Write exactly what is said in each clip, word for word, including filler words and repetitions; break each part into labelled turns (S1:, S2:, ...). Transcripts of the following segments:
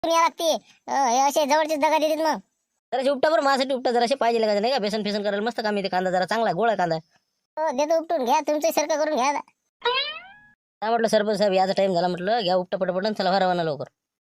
S1: या लागते अं, हे असे जवळचे दगा देतात मग.
S2: जराशे उपटा बरं माझ्यासाठी उपटा जराशे पाहिजे का नाही का बेसन फेसन करायला मस्त काम येते कांदा जरा चांगला गोळा कांदा.
S1: हो देतो उपटून घ्या तुमचं सारखं करून घ्या.
S2: काय म्हटलं सरपंच साहेब याचा टाइम झाला म्हटलं घ्या उपटा पटपट चला भरावाना लवकर.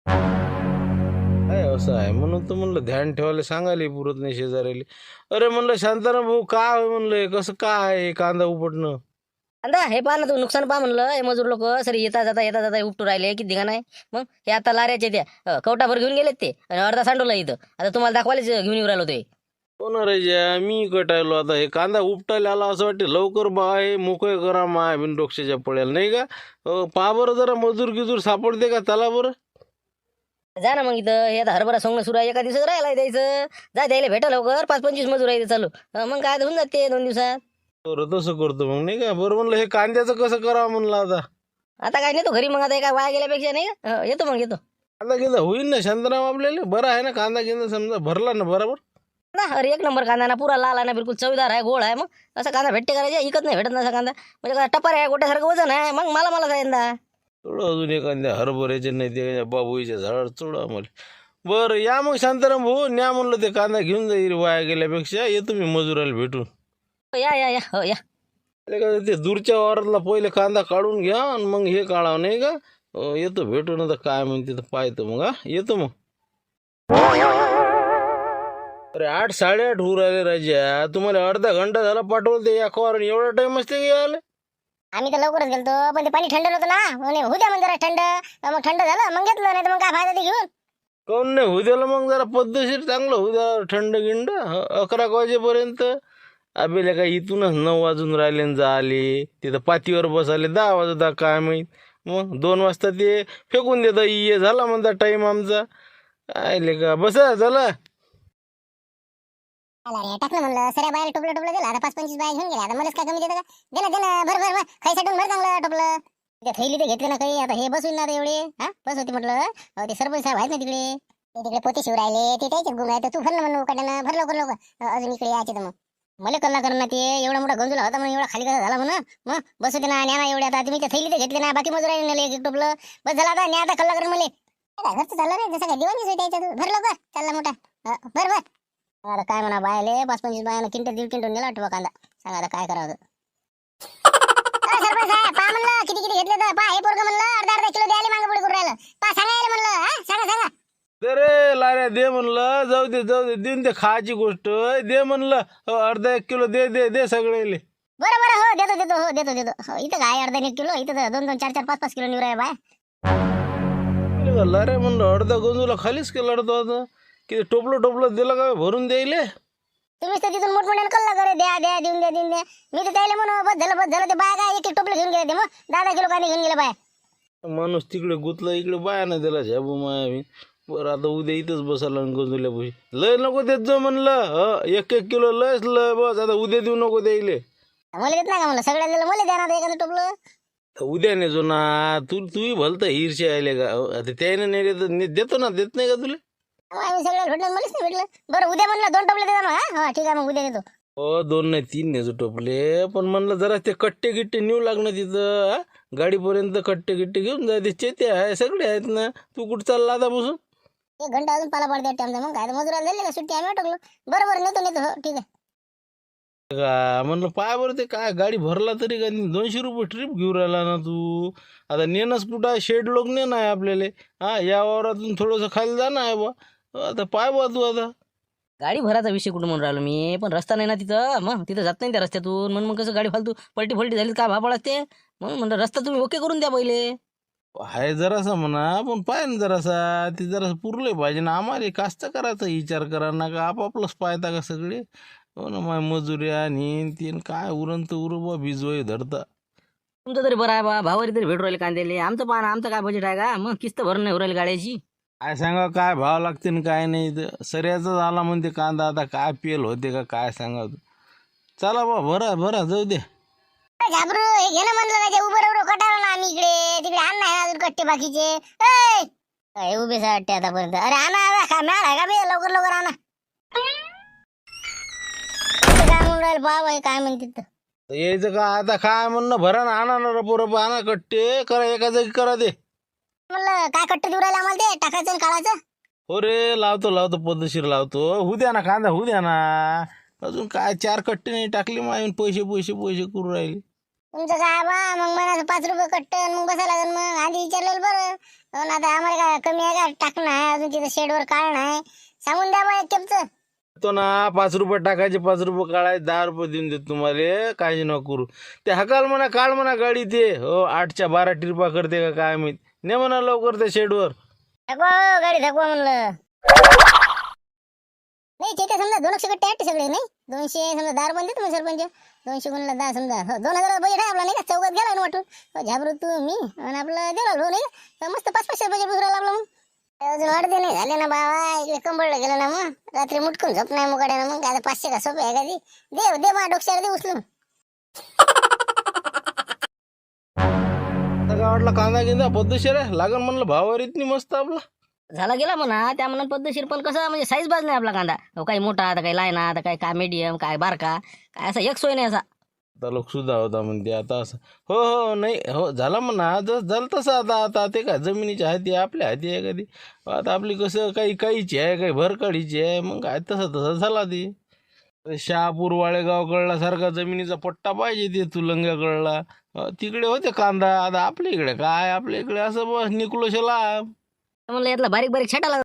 S3: काय असं आहे म्हणून तर म्हणलं ध्यान ठेवायला सांगायला पुरत नाही शेजाऱ्याला. अरे म्हणलं शांताराम भाऊ काय होय म्हणलं हे कसं काय आहे कांदा उपटणं.
S2: कांदा हे पहा ना तू नुकसान पहा म्हणलं हे मजूर लोक सरी येता जाता येता जाता उपटू राहिले किती धिंगाणा आहे. मग हे आता लाऱ्याचे त्या अं, कवटाभर घेऊन गेलेत ते आणि अर्धा सांडवला इथं आता तुम्हाला दाखवायलाच घेऊन येऊ राहिलो ते.
S3: कोण राजा मी कटायलो आता हे कांदा उपटायला आला असं वाटते लवकर बाय मोकळे करा माय बिन डोक्षाच्या पड्याला नाही का. अं, पहा बरं जरा मजूर गिजूर सापडते का त्याला बरं.
S2: जा ना मग इथं हे आता हरभरा सोंगणं सुरू आहे एका दिवसात राहिला द्यायचं जा द्यायला भेटा लवकर पाच पंचवीस मजूर आहे इथं चालू अं, मग काय होऊन जाते दोन दिवसात.
S3: बरं तसं करतो मग नाही का. बरं म्हणलं हे कांद्याचं कसं करावं म्हणलं आता.
S2: आता काय नेतो घरी मग आता एका वाया गेल्यापेक्षा नाही का अं, येतो मग येतो
S3: कांदा गिंदा होईल ना शांताराम आपल्याला बरं आहे ना कांदा गिंदा समजा भरला ना बरोबर.
S2: ना अरे एक नंबर कांदा ना पुरा लाल आहे ना बिलकुल चवीदार आहे गोड आहे मग असा कांदा भेटते करायचा इकत नाही भेटत ना असा कांदा म्हणजे काय टपार आहे गोट्यासारखं वजन आहे मग मला मला सांगितलं
S3: थोडं अजून एखाद्या हरभऱ्याचे नाही ते बाबूच्या झाडावर चोडा मला. बरं या मग शांताराम भाऊ न्या म्हणलं ते कांदा घेऊन जाईल वाया गेल्यापेक्षा येतो मी मजुराला भेटून.
S2: या या या हो या
S3: अरे का ते दूरच्या वावरातला पहिले कांदा काढून घ्या आणि मग हे काढावं नाही का. अं, येतो भेटून आता काय म्हणते तर पाहतो मग हा येतो मग. अरे आठ साडेआठ होऊ राहिले राजा तुम्हाला अर्धा घंटा झाला पाठवलं ते या खवार एवढा टाइम असते की आले.
S1: आम्ही तर लवकरच गेलतो पण ते पाणी थंड नव्हतं ना म्हणे होऊ द्या म्हणजे जरा थंड मग थंड झालं मग घेतलं नाही तर मग काय फायदा ते घेऊन.
S3: काऊन नाही होऊ द्याला मग जरा पद्धतशीर चांगलं होऊ द्या थंड गिंड ह- अकरा वाजेपर्यंत. आबेल्या काय इथूनच नऊ वाजून राहिले न झाले तिथं पातीवर बसाले दहा वाजता काय माहीत. मग दोन वाजता ते फेकून देतं ये झाला म्हणता टाईम आमचा. काय का बसा झाला.
S1: आला रे टाकलं म्हणलं सऱ्या बाहेर टोपलं टोपलं दिलं आता पाच पंचवीस बाय घेऊन गेला आता मलाच काय कमी देतं का. दिलं दिलं भर भर भर खाई साठून भर चांगलं टोपलं. ते थैली ते घेतले ना काही आता हे बसून ना आता एवढे हा बस होती म्हटलं. अहो, ते सरपंच साहेब आहेत ना तिकडे ते तिकडे पोते शिव राहिले ते त्याच्यात गुण आहे तर तू भर ना म्हणून काढणं भर लवकर लवकर अं, अजून इकडे यायचे तर मग मला कल्ला करणं ते एवढा मोठा गंजूला होता म्हणून एवढा खाली कसा झाला म्हणून मग बस होते ना न्या ना एवढे आता तुम्ही ते थैली ते घेतले ना बाकी मजुराने नेले एक एक टोपलं बस झाला आता न्या आता कल्ला करून मला काय घरचं चाललं रे जसं काय दिवाणीच होती याच्यात भर लवकर चालला मोठा अं, भर भर. आता काय म्हणा बायले पाच पंचवीस बायानं किंटल दीड क्विंटल नेला वाटतं बा कांदा सांगा आता काय करावं. अरे सरपंच साहेब पहा म्हणलं किती किती घेतले तर पहा हे पोरगं म्हणलं अर्धा अर्धा किलो द्यायला मागं पुढे करून राहिलं पहा सांगायला म्हणलं हा सांगा सांगा.
S3: दे रे लाऱ्या दे म्हणलं जाऊ दे जाऊ दे देऊन दे खायची गोष्ट दे म्हणलं. हो, अर्धा एक किलो दे दे दे सगळे.
S1: बरं बरं हो देतो देतो हो देतो देतो हो, इथं काय अर्धा एक किलो इथं तर दोन दोन चार चार पाच पाच किलो निवराय बाय.
S3: लाऱ्या म्हणलं अर्धा गंजूला खालीच केला तो आता किती टोपलं टोपलं दिलं का भरून द्यायले.
S1: तुम्हीच तर तिथून मोठमोठ्यानं कल्ला करे द्या द्या देऊन द्या देऊन द्या मी तर त्याला म्हणून बस झालं बस झालं ते बाय काय एक एक टोपलं घेऊन गेले ते मग दहा दहा किलो कांदे घेऊन गेले बाय.
S3: माणूस तिकडे गुतला इकडे बाया नाही दिला झाबू माया मी. बरं आता उद्या इथंच बसायला गंजूल्या पैसे लय नको देत जो म्हणलं ह एक एक किलो लयच लय बस आता उद्या देऊ नको द्यायले.
S1: मला देत नाही का म्हणलं सगळ्या दिलं मला द्या ना आता एखादं टोपलं.
S3: तर उद्या नेजो ना तू तूही भलतं हिरशे आले का अहो, आता त्याने नेले तर ने- देतो ना देत नाही का तुला.
S1: आम्ही सगळ्याला भेटलं मलाच नाही भेटलं. बरं उद्या म्हणलं दोन टोपले देता मग हा ठीक आहे मग उद्या देतो.
S3: हो दोन नाही तीन नेजो टोपले पण म्हणलं जरा ते कट्टे गिट्टे नेऊ लागणं तिथं हा? गाडीपर्यंत कट्टे गिट्टे घेऊन जा ते चेते आहे सगळे आहेत ना. तू कुठं चालला आता बसून.
S1: एक घंटा अजून पाला पडते टाइम मग काय मजुराला दिले का सुट्टी आम्ही अटकलो. बरं बरं नेतो नेतो हो ठीक आहे.
S3: का म्हणलं पाय बरं ते काय गाडी भरला तरी का दोनशे रुपये ट्रिप घेऊन राहिला ना तू. आता नेणंच कुठं आहे शेड लोक नेणं आहे आपल्याला. हा या वावरातून थोडंसं खाली जाणं आहे बा. आता पाय बा तू आता.
S2: गाडी भराचा विषय कुठं म्हणून राहिलो मी पण रस्ता नाही ना तिथं मग तिथं जात नाही त्या रस्त्यातून म्हणून मग कसं गाडी फालतू पलटी फलटी झाली काय भापळ असते म्हणून म्हणलं रस्ता तुम्ही ओके करून द्या पहिले.
S3: आहे जरासा म्हणा पण पाय ना जरासा ते जरासं पुरले पाहिजे ना आम्हाला कास्त करायचा विचार करा ना का आपापलंच पाहता का सगळे. हो ना माय मजुऱ्या आणि तीन काय उरण तर उरबा भिजवाय धरता.
S2: तुमचं तरी बरं आहे बा भावारी तरी भेटू राहिले कांद्याले आमचं पहा ना आमचं काय बजेट आहे का मग किस्त भरून नाही राहिली गाड्याची.
S3: काय सांगा काय भाव लागते ना काय नाही तर सऱ्याचाच आला म्हणते कांदा आता काय पेल होते का काय सांगा तू. चला बा भरा भरा जाऊ दे.
S1: घाबरू हे घे ना म्हणलं राजा उभं राहू कटाळलं ना आम्ही इकडे तिकडे आण नाही अजून कट्टे बाकीचे ऐ, काय उभेच वाटते आतापर्यंत. अरे आणा आणा खा मॅळ आहे का बे लवकर लवकर आणा. इथे काय म्हणून राहिलं बाबा हे काय म्हणते तर.
S3: तर यायचं का आता काय म्हणणं भरा ना आणा ना रपो रपो आणा कट्टे करा एका जागी करा ते.
S1: म्हणलं काय कट्ट देऊ राहिले आम्हाला ते टाकायचं आणि काढायचं.
S3: हो रे लावतो लावतो पद्धतशीर लावतो. होऊ द्या ना कांदा होऊ द्या ना. अजून काय चार कट्टे नाही टाकले मायून पैसे पैसे पैसे करू राहिले.
S1: तुमचं काय बा मग म्हणाचं पाच रुपये कट्ट आणि मग बसायला लागेल. मग आधी विचारलेलं बरं. हो ना, आता आम्हाला काय कमी आहे का टाकणं आहे अजून तिथं शेडवर काढणं आहे. सांगून द्या बा एक केपचं.
S3: तो ना पाच रुपये टाकायचे पाच रुपये काढायचे दहा रुपये देऊन देतो तुम्हाला. काळजी नको करू. ते हकाल म्हणा काढ म्हणा गाडी ते हो आठच्या बारा टिरपा करते का काय माहित. ने म्हणा लवकर त्या शेडवर.
S1: थकवा हो, गाडी थकवा म्हणलं. नाही ते समजा दोनशे कट्टे आहेत सगळे नाही. दोनशे समजा दहा रुपये देतो मग सरपंच. दोनशे गुणला दहा समजा हो दोन हजार बजेट आहे आपला नाही का. चौकात गेला ना वाटून. हो झाबरू तू मी आणि आपलं दिला भाऊ नाही का. मस्त पाच पाचशे बजेट बुसरायला आपलं. मग अजून अर्धे नाही झाले ना बाबा. इकडे कंबळलं गेलं ना मग रात्री मुटकून झोप नाही मुकाड्यानं. मग आता पाचशे का सोपे आहे का ती. दे दे मा डोक्याला दे उचलून.
S3: आता काय वाटलं कांदा गिंदा पद्धतशीर आहे लागन म्हणलं भावावर इतनी मस्त आपला.
S2: झाला गेला म्हणा त्या म्हणून पद्धतशीर पण कसं म्हणजे साईज बाज नाही आपला कांदा. हो काही मोठा आता काही लायना आता काही काय मीडियम काय बारका काय असा एक सोय नाही असा.
S3: आता लोक सुद्धा होता म्हणते आता असं. हो हो नाही हो झाला म्हणा जस झालं तसं. आता आता ते काय जमिनीची हाती आहे आपल्या हाती आहे कधी. आता आपली कसं काही काहीची आहे काही भरकाडीची आहे. मग काय तसं तसं झाला ते. शहापूर वाळेगाव कळला सारखा जमिनीचा पट्टा पाहिजे ते तुलंग्या कळला. तिकडे होते कांदा. आता आपल्या इकडे काय आपल्या इकडे असं बस निकुलोशला.
S2: म्हणलं यातला बारीक बारीक छटाला